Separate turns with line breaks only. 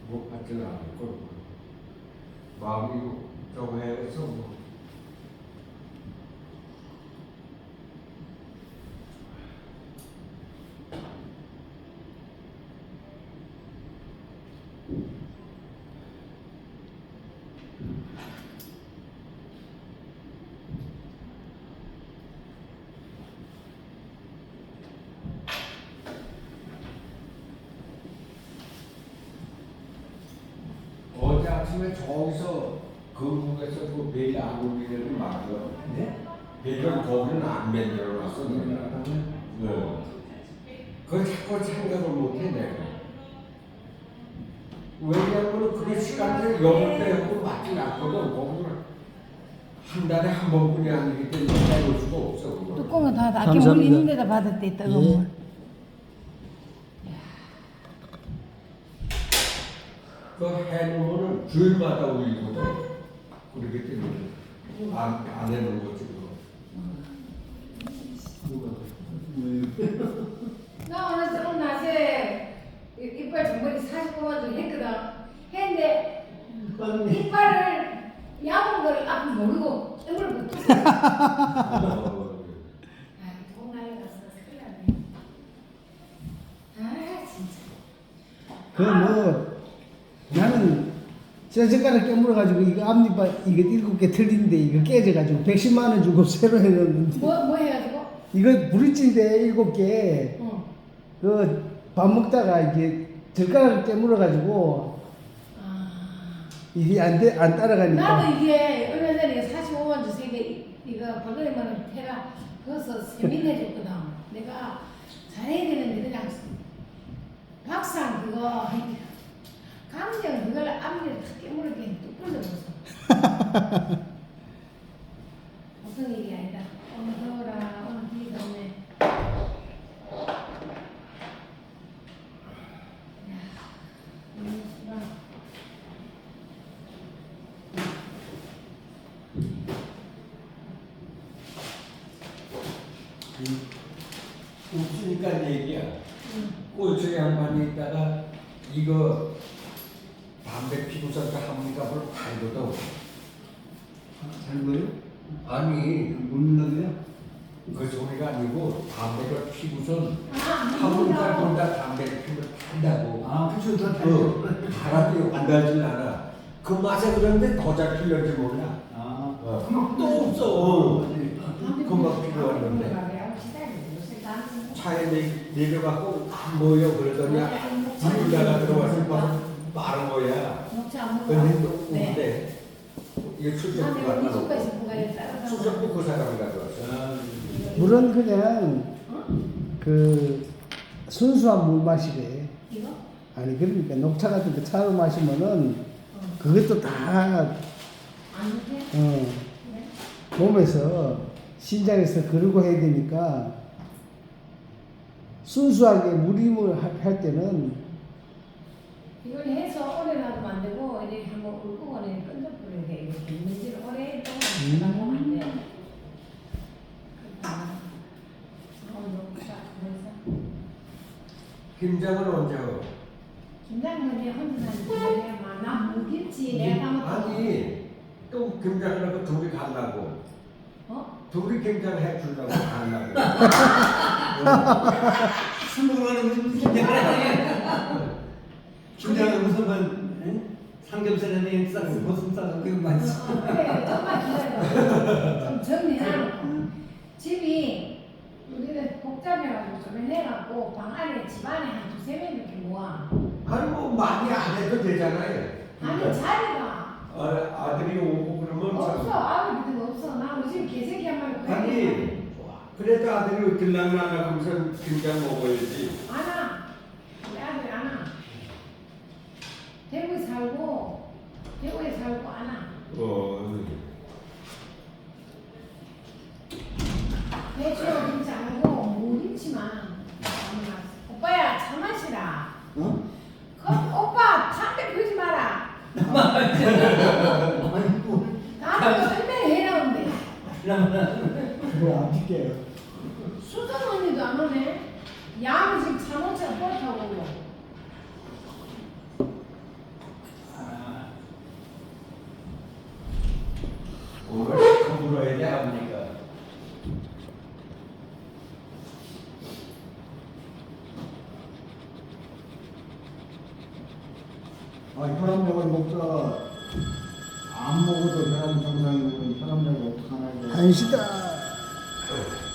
그거 받지는 않을 거고 마음이 저거 해서 뭐. 어제 아침에 저기서 건국에서 그 베일 안 올리는 맞아.
네?
베일은 거기는 안 만들어놨어. 네. 그걸 자꾸 생각을 못해 내가. 왜냐하면 그 시간을 영을 빼고 맞진 않거든. 거기는 한 달에 한 번뿐이 아니기 때문에 빼놓을 수가 없어. 그거.
뚜껑은 다 낫게
감사합니다.
물 있는 데다 받았대 뜨거운 물.
그 해놓으면 주일마다 올리거든. 그렇기 때문에 안 해놓은 거지 그거.
나 오늘 낮에 이빨 정머리 40번만 좀 했거든. 했는데 이빨을 야본 걸 앞에 모르고 땡을 붙였어. 돈 날려갔어. 큰일 났네. 아 진짜.
그 뭐 나는 저 젓가락 깨물어가지고 이거 앞니빨 이거 7개 틀린데 이거 깨져가지고 110만 원 주고 새로 해놨는데
뭐 해가지고?
이거 브릿지인데 7개
응.
그 밥 먹다가 이게 젓가락 깨물어가지고 이게 안 따라가니까
나도 이게 얼마 전에 45만 주 세개 이거 벌거리만 해라 그래서 세민해줬거든. 내가 잘해야 되는데 그냥 박상 그거 강정 그걸 앞니를 탁 깨물게 뚝 불러버렸어. 무슨 일이 아니다. 오늘 더워라. 오늘 비가 오네.
웃으니까 얘기야. 꼴초리 양반이 있다가 이거 담배 피고서 그 한문값을 팔거든.
잘 보여?
아니
묻는다고요?
그 소리가 아니고 담배를 피고선
아,
한문값보다 담배를 피면 판다고.
아 그쵸 더
그 바람이 안 달진 않아. 그 맛에 그런데 더 잘 필는지 몰라. 또 없어. 금방 필요했는데 차에 내려갖고 안 보여 그러더니 집에다가 들어와서 바로 마른 거야. 근데 또 없는데 이게 출석부 갔다 출석부 그 사람이 가져왔어.
물은 그냥 그 순수한 물 마시래.
이거?
아니 그러니까 녹차 같은 거 차로 마시면은 그것도 다
안 돼?
몸에서 신장에서 그러고 해야 되니까 순수하게 무림을 할 때는
이걸 해서 오래 놔두면 안 되고 이렇게 한번 울고거리에 끈적거려야 돼. 이렇게 있는지를 오래 동안 놔두면 안 돼.
김장은 언제 하고?
김장은 내 혼자 사는 나 무김치 내가 까먹고.
아니 또 김장하려고 둘이 가려고.
어?
둘이 김장 해주려고 가려고.
술 먹으면 무슨 김장은 무슨 삼겹살에 싹스 고슴 싸서 그거 맛있어.
그래 좀만 기다려. 좀 정리해놓고. 집이 우리는 복잡해가지고 좀 해갖고 방 안에 집 안에 한 두세 명 이렇게 모아.
아니 뭐 많이 안 해도 되잖아요.
아니 자리가
아들이 오고 그러면
없어. 아무 믿음 없어. 나 우리 집 개새끼 한 마리
아니 그래도 아들이 들락날락 하면서 김장 먹어야지.
안 와. 우리 아들 안 와. 대구에 살고 안 와. 배추 김치 안 하고 무김치만. 오빠야 차 마시라.
어?
그 오빠 담배 피우지 마라. 나한테 설명해라는데.
그거 안 필게요.
수정 언니도 안 오네. 야는 지금 자동차 버타고 오고.
물어야 돼 아버니까.
혈압약을 먹다가 안 먹어도 혈압 정상이고 혈압약을 어떡하나 이거.
한시다.